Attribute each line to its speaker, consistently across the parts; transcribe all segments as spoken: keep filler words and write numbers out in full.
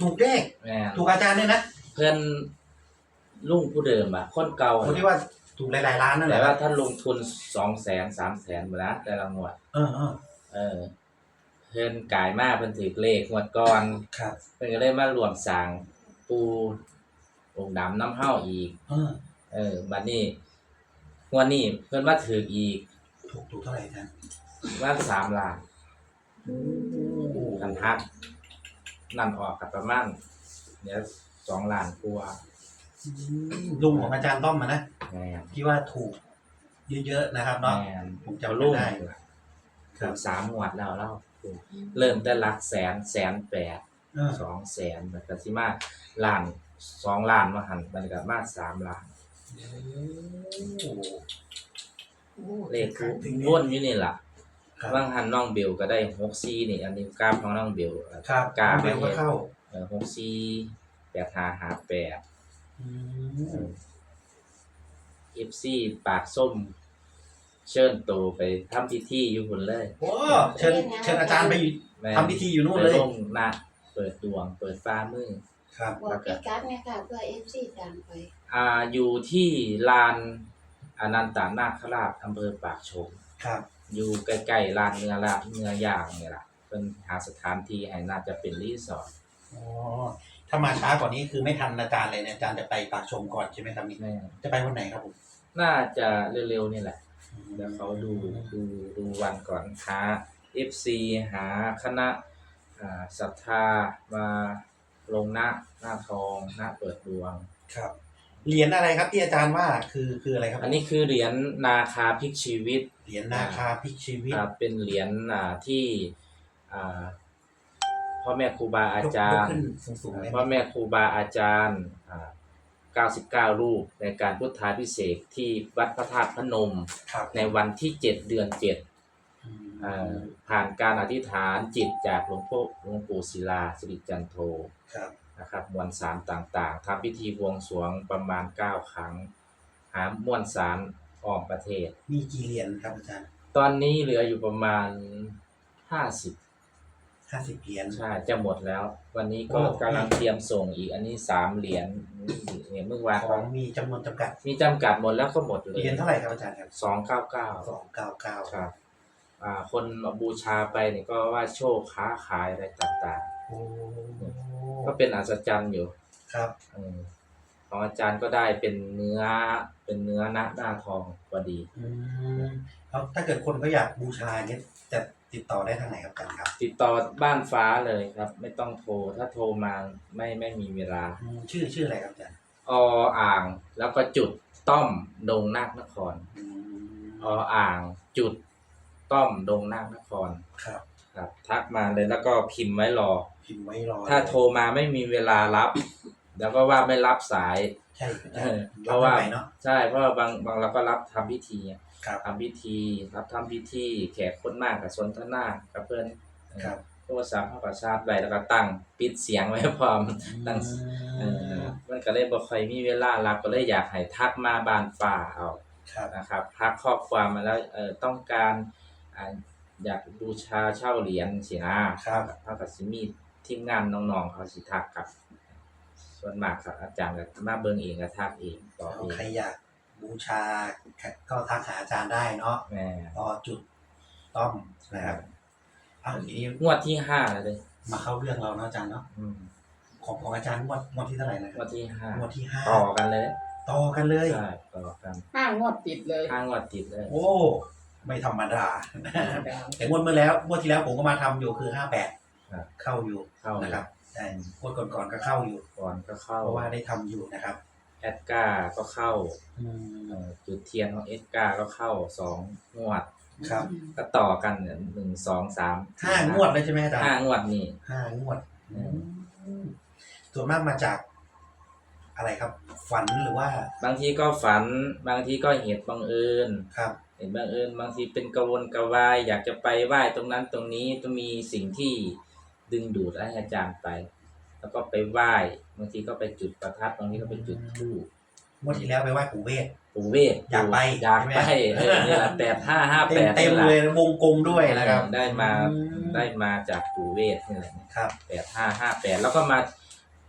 Speaker 1: ถูกเลขถูกอาจารย์เนี่ยนะ
Speaker 2: เพื่อนลุงผู้เดิมอ่ะคนเก่า
Speaker 1: คนที่ว่าถูกหลายๆล้านนั่นแห
Speaker 2: แต่
Speaker 1: ละ
Speaker 2: ว่าท่านลงทุนสองแสนสามแสนมาแล้วแต่ละงวด
Speaker 1: เออเออ
Speaker 2: เออเพิ่นกายมากเพิ่นถือเลขงวดก่อน
Speaker 1: ครับ
Speaker 2: เพิ่นก็เลยมารวมสร้างปูองค์ดำน้ำเฮาอีก
Speaker 1: เออ
Speaker 2: เออบัดนี้งวดนี้เพิ่นมาถืออีก
Speaker 1: ถูกถูกเท่าไหร่นะ
Speaker 2: ว่าสามล้านกันทักนั่นออกกับประมาณเดี๋ยวสองล้านกว่า
Speaker 1: ลุงของอาจารย์ต้อมมานะ
Speaker 2: แม่น
Speaker 1: ที่ว่าถูกเยอะๆนะครับเนาะ
Speaker 2: ผมจำได้ถูกสามงวดแล้วเล่าเริ่มแต่หลักแสนแสนแปดสองแสนแบบก็สิมาล้านสองล้านมาหันมันก็มาสามล้านเลขวนอยู่นี่ล่ะบางหันน้องเบลก็ได้หกสี่นี่อันนี้กราฟของน้องเบล
Speaker 1: กราฟเบลก็เข้า
Speaker 2: เออหกสี่แปดห้าห้าแปดเอฟซีปากส้มเชิญโตไปทำพิธีอยู่พุ่นเลย
Speaker 1: โอ้เชิญเชิญอาจารย์ไปทำพิธีอยู่นู่นเลย
Speaker 2: ลงหน้าเปิดดวงเปิดฟ้ามือ
Speaker 3: ครับบอกพิกัดไงค่ะเพื่อเอฟซีตามไป
Speaker 2: อ่าอยู่ที่ลานอนันตนาคราชอำเภอปากชม
Speaker 1: ครับ
Speaker 2: อยู่ใกล้ๆลานเนื้อละเนื้อย่างนี่แหละเป็นหาสถานที่ให้น่าจะเป็นรีสอร์ท
Speaker 1: อ๋อถ้ามาช้ากว่านี้คือไม่ทันอาจารย์เลยเนี่ยอาจารย์จะไปปากชมก่อนใช่ไหมครับนี่จะไปวันไหนครับผม
Speaker 2: น่าจะเร็วๆนี่แหละเดี๋ยวเขาดูดูดูวันก่อนหา เอฟ ซี หาคณะอ่าศรัทธามาลงหน้าหน้าทองหน้าเปิดดวง
Speaker 1: ครับเหรียญอะไรครับที่อาจารย์ว่าคือคืออะไรครับ
Speaker 2: อันนี้คือเหรียญนาคาพลิกชีวิต
Speaker 1: เหรียญนาคาพลิกชีวิต
Speaker 2: เป็นเหรียญอ่าที่อ่าพ่อแม่ครูบาอาจารย์พ่อแม่ครูบาอาจารย์อ่าเก้าสิบเก้ารูปในการพุทธาภิเษกที่วัดพระธาตุพนมในวันที่เจ็ดเดือนเจ็ดอ่าผ่านการอธิษฐานจิตจากหลวงพ่อหลวงปู่ศิลาสิริจันโทนะครับมวลสารต่างๆทำพิธีบวงสรวงประมาณเก้าครั้งหามวลสารอ้อมประเทศ
Speaker 1: มีกี่เหรียญครับอาจารย์
Speaker 2: ตอนนี้เหลืออยู่ประมาณห้าสิบ
Speaker 1: ห้าสิบเหรียญ
Speaker 2: ใช่จะหมดแล้ววันนี้ก็กำลังเตรียมส่งอีกอันนี้สามเหรียญเนี่ยเมื่อวาน
Speaker 1: ของมีจำนวนจำกัด
Speaker 2: มีจำกัดหมดแล้วก็หมดเลย
Speaker 1: เหรียญเท่าไหร่ครับอาจารย์ครับ
Speaker 2: สองเก้าเก้า
Speaker 1: สองเก้าเก้า
Speaker 2: ครับอ่าคนบูชาไปเนี่ยก็ว่าโชคค้าขายอะไรต่างๆโอ้ก็เป็นอัศจรรย์อยู่
Speaker 1: ครับ
Speaker 2: อืมของอาจารย์ก็ได้เป็นเนื้อเป็นเนื้อหน้าหน้าทองพอดี
Speaker 1: อืมแล้วถ้าเกิดคนก็อยากบูชาเนี่ยจะติดต่อได้ทางไหนครับกันครับ
Speaker 2: ติดต่อบ้านฟ้าเลยครับไม่ต้องโทรถ้าโทรมาไม่ไม่มีเวลา
Speaker 1: ชื่อชื่ออะไรครับอาจารย์
Speaker 2: ออ่างแล้วก็จุดต้อมดงนาคนครออ่างจุดต้อมดงนาคนคร
Speaker 1: ครับ
Speaker 2: ครับทักมาเลยแล้วก็พิมพ์ไว้รอ
Speaker 1: พิมพ์ไว้รอ
Speaker 2: ถ้าโทรมาไม่มีเวลารับแล้วก็ว่าไม่รับสาย
Speaker 1: ใช่
Speaker 2: เพราะว่าใช่เพราะว่าบางบางเราก็รับทำพิธีทำพิธีรับทำพิธีแขกคนมากกับสนทนากับเพื่อนโทรศัพท์เข้ากับชาร์จไว้แล้วก็ตั้งปิดเสียงไว้พร้อมตั้งมันก็เลยบ่ค่อยมีเวลารับก็เลยอยากให้ทักมาบ้านฟ้าเอานะครับทักข้อความมาแล้วเออต้องการอยากบูชาเช่าเหรียญสินะครับเท่ากับสิมีทีมงานน้องๆเขาสิทักกับส่วนมากครับอาจารย์ก็มาเบิ่งเองก็ทักเอง
Speaker 1: ต่อเองใครอยากบูชาก็ทักหาอาจารย์ได้เนาะต่อจุดต้อมนะครับ
Speaker 2: อ้าวทีนี้งวดที่ห้าแล้วเลย
Speaker 1: มาเข้าเรื่องเราเนาะอาจารย์เนาะของของอาจารย์งวดงวดที่เท่าไหร่นะ
Speaker 2: งวดที่ห้าง
Speaker 1: วดที่ห้า
Speaker 2: ต่อกันเลย
Speaker 1: ต่อกันเลย
Speaker 2: ใช่ต่อกัน
Speaker 3: ห้างวดติดเลย
Speaker 2: ห้างวดติดเลย
Speaker 1: โอ้ไม่ธรรมดาแต่งวดเมื่อแล้วงวดที่แล้วผมก็มาทำอยู่คือห้าแปดเข้าอยู่นะครับใช่งวดก่อนๆก็เข้าอยู่
Speaker 2: ก่อนก็เข้า
Speaker 1: เพราะว่าได้ทำอยู่นะครับ
Speaker 2: แอดกาก็เข้าจุดเทียนของเอดกาก็เข้าสองงวด
Speaker 1: ครับ
Speaker 2: ก็ต่อกันเนี่ยหนึ่งสองสาม
Speaker 1: ห้างวดเลยใช่ไหมอาจารย์
Speaker 2: ห้างวดนี่
Speaker 1: ห้างวดส่วนมากมาจากอะไรครับฝันหรือว่า
Speaker 2: บางทีก็ฝันบางทีก็เหตุบังเอิญ
Speaker 1: ครับ
Speaker 2: เห็นบังเอิญบางทีเป็นกระวนกระวายอยากจะไปไหว้ตรงนั้นตรงนี้ต้องมีสิ่งที่ดึงดูดให้อาจารย์ไปแล้วก็ไปไหว้บางทีก็ไปจุดประทัดบางทีก็ไปจุดธูป
Speaker 1: เมื่อที่แล้วไปไหว้ปู่เวท
Speaker 2: ปู่เวท
Speaker 1: อยากไป
Speaker 2: อยากไปเออนี่แหละแปดห้าห้าแปด
Speaker 1: เต็มเลยวงกลมด้วยนะครับ
Speaker 2: ได้มาได้มาจากปู่เวทนี่แหละครับแปดห้าห้าแปดแล้วก็มา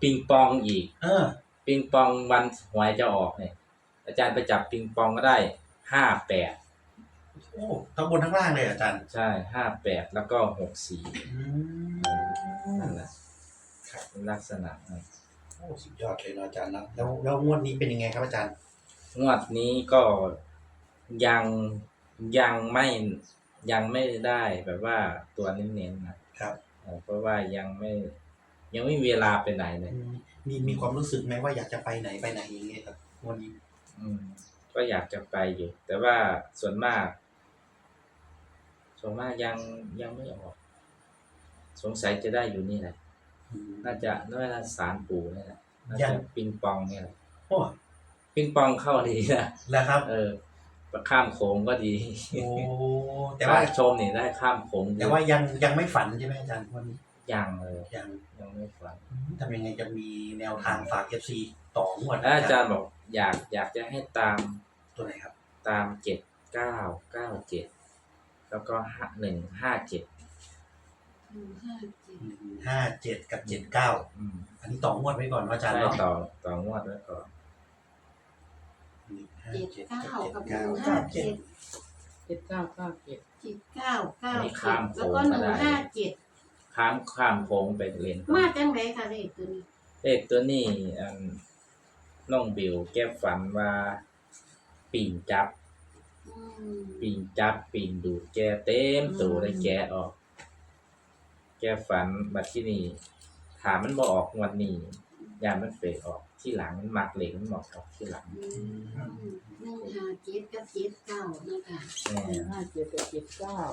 Speaker 2: ปิงปองอีก
Speaker 1: เออ
Speaker 2: ปิงปองวันหวยจะออกเนี่ยอาจารย์ไปจับปิงปองก็ได้ห้าแปด
Speaker 1: โอ้ทั้งบนทั้งล่างเลยอาจารย์
Speaker 2: ใช่ห้าแปดแล้วก็หกสี่
Speaker 1: อืม
Speaker 2: นั่นแหละเป็นลักษณะนั้น
Speaker 1: โอ้สุดยอดเลยเนาะอาจารย์เนาะแล้วแล้วงวดนี้เป็นยังไงครับอาจารย์
Speaker 2: งวดนี้ก็ยังยังไม่ยังไม่ได้แบบว่าตัวเน้นๆนะครับ เอ่อเพราะว่ายังไม่ยังไม่มีเวลาไปไหนเลย
Speaker 1: อืมมีมีความรู้สึกไหมว่าอยากจะไปไหนไปไหนอย่างเงี้ยครับงวดนี้
Speaker 2: อืมก็อยากจะไปอยู่ แต่ว่าส่วนมาก ส่วนมากยังยังไม่ออก สงสัยจะได้อยู่นี่แหละ
Speaker 1: อืม
Speaker 2: น่าจะน่าจะสารปู่นี่แหละน่า
Speaker 1: ยั
Speaker 2: จะ
Speaker 1: ง
Speaker 2: ปิงปองเนี่ยแหละ
Speaker 1: โอ้
Speaker 2: ปิงปองเข้าดีนะ
Speaker 1: แล้วครับ
Speaker 2: เออข้ามโขงก็ดี
Speaker 1: โอ้แต่ว่า
Speaker 2: ชมนี่ได้ข้ามโขงดี
Speaker 1: แต่ว่ายังยังไม่ฝันใช่ไหมอาจารย์วันนี้
Speaker 2: ยังเลย
Speaker 1: ยัง
Speaker 2: ยังไม่ฝัน
Speaker 1: ทำยังไงจะมีแนวทางฝาก เอฟ ซี ต่องวด
Speaker 2: แล้วอาจารย์บอกอยากอยากจะให้ตาม
Speaker 1: ตัวไหนครับ
Speaker 2: ตามเจ็ดเก้าเก้าเจ็ดแล้วก็ห้าหนึ่งห้าเจ็ด
Speaker 3: หนึ่งห้าเจ็ด
Speaker 1: หนึ่งห้าเจ็ดกับเจ็ดเก้า
Speaker 2: อืม
Speaker 1: อันนี้ต่องวดไว้ก่อนว่าอาจารย์
Speaker 2: ใช่
Speaker 1: เนาะ
Speaker 2: ต่อต่องวดไว้ก่อน
Speaker 1: หนึ่งห้า
Speaker 3: เจ็ด
Speaker 1: เจ็ด
Speaker 3: เก้า
Speaker 1: กับ
Speaker 3: กับ
Speaker 1: เจ็ด
Speaker 3: ห
Speaker 1: เก้า
Speaker 3: นึ่งห้าเจ็ด
Speaker 4: เจ็ดเก้าเก้าเจ็ด
Speaker 3: เจ็ดเก้าเก้า
Speaker 2: มี
Speaker 3: เจ็
Speaker 2: ข้า
Speaker 3: ด
Speaker 2: มโข
Speaker 3: แล้ว
Speaker 2: ง
Speaker 3: ก็ห
Speaker 2: ก็
Speaker 3: นึ่ง
Speaker 2: ได้
Speaker 3: ห้าเจ็ด
Speaker 2: ข้ามข้ามโค้งไปเล่น
Speaker 3: มาจังไรค่ะเลขตัวนี้
Speaker 2: เลขตัวนี้อันน้องบิวแกฝันว่าปิ่งจับ
Speaker 3: อืม
Speaker 2: ปิ่งจับปิ่งดูดแกเต็มตัวเลยแกออก แกฝันบัดที่นี่ถามมันบ่ออกงวันนี้ยามมันเฟดออกที่หลังมันมักเหล็กมันหมอกออกที่หลัง
Speaker 3: อืมหนึ่งห้าเจ็ดกับเจ็ดเก้านะคะ
Speaker 2: แม่
Speaker 4: หนึ่งห้าเจ็ดกับเจ็ดเก้า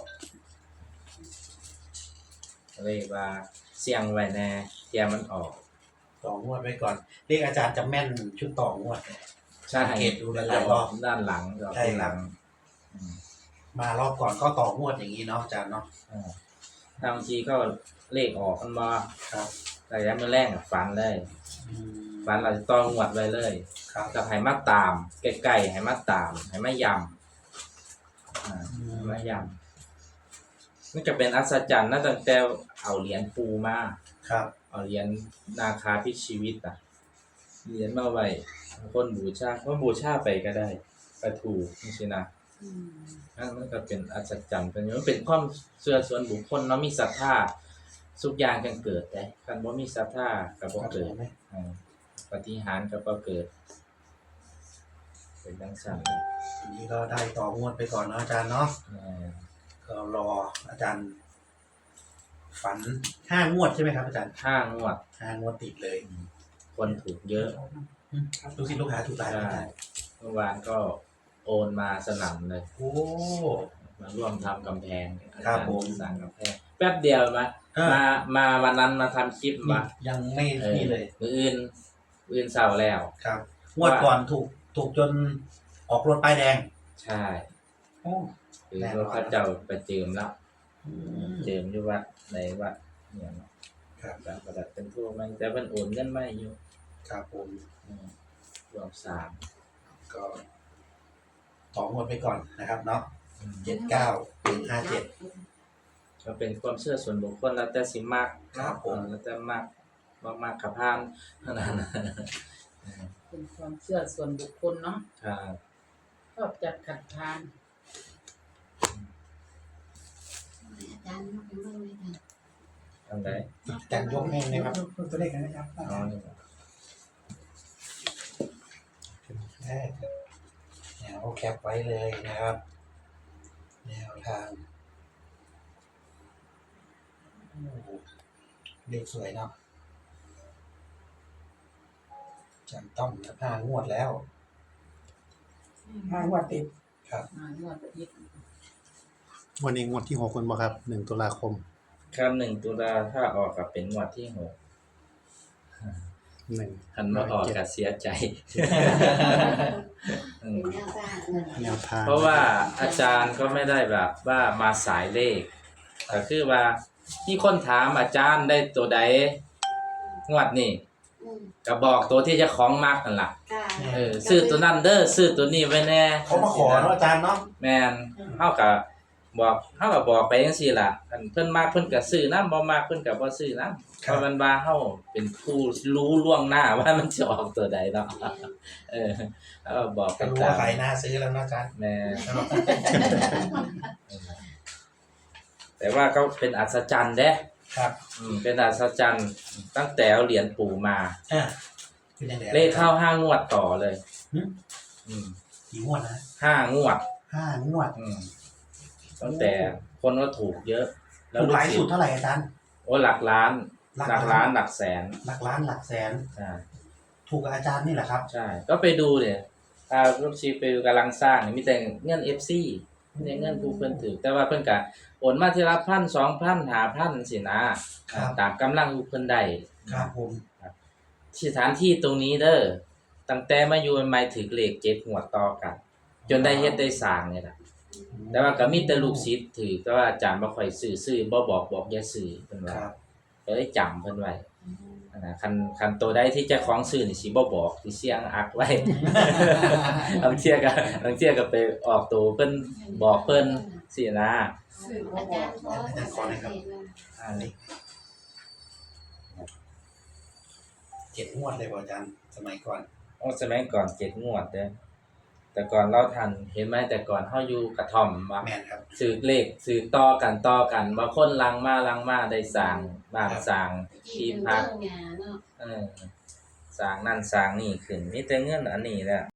Speaker 2: เลยว่าเสี่ยงไว้แน่เที่ยมันออก
Speaker 1: ต่องวดไว้ก่อนเรียกอาจารย์จะแม่นชุดต่องวด
Speaker 2: ใช่
Speaker 1: สังเกตดูหลายๆรอบ
Speaker 2: ด้านหลังออก
Speaker 1: ใช่
Speaker 2: ที่
Speaker 1: ค
Speaker 2: ห
Speaker 1: รั
Speaker 2: ลั
Speaker 1: บ
Speaker 2: งอืม
Speaker 1: มารอบก่อนก็ต่องวดอย่างนี้เนาะอาจารย์เนาะ
Speaker 2: อ่าบางทีก็เลขออกมันมา
Speaker 1: ครับ
Speaker 2: แต่ยังไม่แรงอะฝันเลย
Speaker 1: อืม
Speaker 2: ฝันเราจะต้องหวดไว้เลย
Speaker 1: ครับ
Speaker 2: กับให้มาตามใกล้ๆให้มาตามให้มายำอ่าให้มายำมันจะเป็นอัศจรรย์นะตั้งแต่เอาเหรียญปูมา
Speaker 1: ครับ
Speaker 2: เอาเหรียญนาคาพิชีวิตอ่ะเหรียญมาไว้คนบูชาคนบูชาไปก็ได้ไปถูกนี่สินะ
Speaker 3: อืม
Speaker 2: นั่นมันก็เป็นอัศจรรย์เป็นมันเป็นความเชื่อส่วนบุคคลเนาะมีศรัทธาทุกอย่างกันเกิดได้คันบ่มีศรัทธาก็บ่เกิด
Speaker 1: ไหม
Speaker 2: อ่าปฏิหารย์ก็บ่เกิด เป็นจังซั่นเลย
Speaker 1: อันนี้ก็ได้ต่องวดไปก่อนเนาะอาจารย์เนาะ
Speaker 2: อ่า
Speaker 1: ก็รออาจารย์ ฝันห้างวดใช่ไหมครับอาจารย์
Speaker 2: ห้างวด
Speaker 1: ห้างวดติดเลย
Speaker 2: คนถูกเยอะ
Speaker 1: ลูกศิษย์ลูกหาถูกหลาย
Speaker 2: ใช่
Speaker 1: อาจารย์
Speaker 2: เมื่อวานก็โอนมาสนั่นเลย
Speaker 1: โอ้
Speaker 2: มาร่วมทำกำแพงอา
Speaker 1: ครั
Speaker 2: จา
Speaker 1: บ
Speaker 2: รย์
Speaker 1: ผม
Speaker 2: สั่งกำแพงแป๊บเดียวมา
Speaker 1: เออ
Speaker 2: มามาวันนั้นมาทำคลิปมา
Speaker 1: ยังไม่
Speaker 2: เออ
Speaker 1: นี่เลย
Speaker 2: มืออื่นมืออื่นเศร้าแล้ว
Speaker 1: ครับ งวดก่อนถูกถูกจนออกรถป้ายแดง
Speaker 2: ใช่
Speaker 1: โอ้
Speaker 2: คือ
Speaker 1: แน่นอน
Speaker 2: รถเขาเจ้าไปเจิมแล้ว
Speaker 1: อืม
Speaker 2: เจิมอยู่วัดในวัดเนี่ยเนาะ
Speaker 1: ครับ
Speaker 2: แบบประดับเป็นทั่วมันแต่มันโอนเงินไม่อยู่
Speaker 1: ครับผม
Speaker 2: อืมรวมสาม
Speaker 1: ก็ต่องวดไปก่อนนะครับเนาะ
Speaker 2: อืม
Speaker 1: เจ็ดเก้าหนึ่งห้าเจ็ด
Speaker 2: ก็เป็นความเชื่อส่วนบุคคลแล้วแต่สิมัก
Speaker 1: ครับผม
Speaker 2: เออแล้วแต่มักมักมักขับพานเท่านั้นนะ
Speaker 4: เป็นความเชื่อส่วนบุคคลเนาะ
Speaker 2: ครับ
Speaker 4: ชอบจัดขัดทาน
Speaker 3: อาจารย์ยกเป็นเรื่องเลยค่ะ
Speaker 2: ทำได้
Speaker 1: อาจารย์ยกให้นะครับ
Speaker 5: ตัวเลขนะครับ
Speaker 2: อ๋อนี่
Speaker 1: แรกแนวแคปไว้เลยนะครับ แนวทางโอ้โหเลขสวยเนาะจำต้องนะห้างวดแล้ว
Speaker 5: ห้างวดติด
Speaker 1: ครับ
Speaker 4: มางวดอาทิตย์
Speaker 6: วันนี้งวดที่หกคนบ่ครับหนึ่งตุลาคม
Speaker 2: ครับหนึ่งตุลาถ้าออกกับเป็นงวดที่หก
Speaker 6: หนึ่ง
Speaker 2: หันมาออกกับเสียใจอืม
Speaker 3: เป็นแนวทางเงิน
Speaker 6: แนวทาง
Speaker 2: เพราะว่าอาจารย์ก็ไม่ได้แบบว่ามาสายเลขแต่คือว่าที่คนถามอาจารย์ได้ตัวใดงวดนี่
Speaker 3: อืม
Speaker 2: ก็บอกตัวที่เจะของมักนั่นล่ะ
Speaker 3: ค่ะ
Speaker 2: เออซื้อตัวนั้นเด้อซื้อตัวนี้ไว้แน่
Speaker 1: เขามาขอเนาะอาจารย์เนาะ
Speaker 2: แม่นเฮากับบอกเฮาก็บอกไปจังซี่ล่ะคันเพิ่นมักเพิ่นก็ซื้อนำบ่มักเพิ่นก็บ่ซื้อนำเพราะมันว่าเฮาเป็นผู้รู้ล่วงหน้าว่ามันสิออกตัวใดเนาะเออแล้วก็บอกไป
Speaker 1: ก็รู้
Speaker 2: ตา
Speaker 1: ว่าม ใครน่าซื้อแล้วนะอาจารย์
Speaker 2: แม่แต่ว่าก็เป็นอัศจรรย์เด้
Speaker 1: ครับ
Speaker 2: อืมเป็นอัศจรรย์ตั้งแต่เอาเหรียญปู่มา
Speaker 1: อ่าเป็นยังไง
Speaker 2: เลขเข้าห้างวดต่อเลย
Speaker 1: หึ
Speaker 2: อืม
Speaker 1: กี่งวดนะ
Speaker 2: ห้างวด
Speaker 1: ห้างวด
Speaker 2: อืมตั้งแต่คนก็ถูกเยอะ
Speaker 1: ถูกหลายสุดเท่าไหร่อาจารย์
Speaker 2: โอ้หลักล้าน
Speaker 1: หลัก
Speaker 2: หลัก
Speaker 1: ล้า
Speaker 2: ล้าน นหลักแสน
Speaker 1: หลักล้านหลักแสน
Speaker 2: ใช่
Speaker 1: ถูกกับอาจารย์นี่แหละครับ
Speaker 2: ใช่ ก็ไปดูเนี่ยถ้าลูกชีไปกำลังสร้างเนี่ยมีแต่เงิน เอฟ ซี มีแต่เงินผู้เพิ่นถือแต่ว่าเพิ่นก็โอนมาทีละพันสองพันห้าพันสินะครับ ตามกำลังผู้เพิ่นได้
Speaker 1: ครับผม
Speaker 2: สถานที่ตรงนี้เด้อตั้งแต่มาอยู่ใหม่ๆถึงเลขเจ็ดหัวดต่อกัน จนได้เฮ็ดได้สร้างนี่ล่ะแต่ว่าก็มีแต่ลูกศิษย์ถือก็ว่าอาจารย์บ่ค่อยซื้อซื้อบ่บอกบอกอย่าซื้อเพิ่น
Speaker 1: ค
Speaker 2: ว่า
Speaker 1: รับ
Speaker 2: ก็เลยจำเพิ่นไว้นะคันคันตัวใดที่เจ้าของซื้อนี่สิบ่บอกสิเสียงอักไว้ บางเที่ยก็บางเที่ยก็ไปออกตัวเพิ่นบอกเพิ่นสินะ
Speaker 3: อาจารย์ขออาจารย์ขอหน่อยครับ
Speaker 1: อันนี้เจ็ดงวดเลยป่ะอาจารย์สมัยก่อน
Speaker 2: โอ้สมัยก่อนเจ็ดงวดเด้อแต่ก่อนเราทันเห็นไหมแต่ก่อนเฮาอยู่กระท่อมว่า
Speaker 1: แมนครับ
Speaker 2: สืบเลขสืบต่อกันต่อกันบางคนลังมาลังมาได้สร้างบ้านสร้าง
Speaker 3: ที่พักเนาะ
Speaker 2: เออสร้างนั่นสร้างนี่ขึ้นมีแต่เงินอันนี้แหละ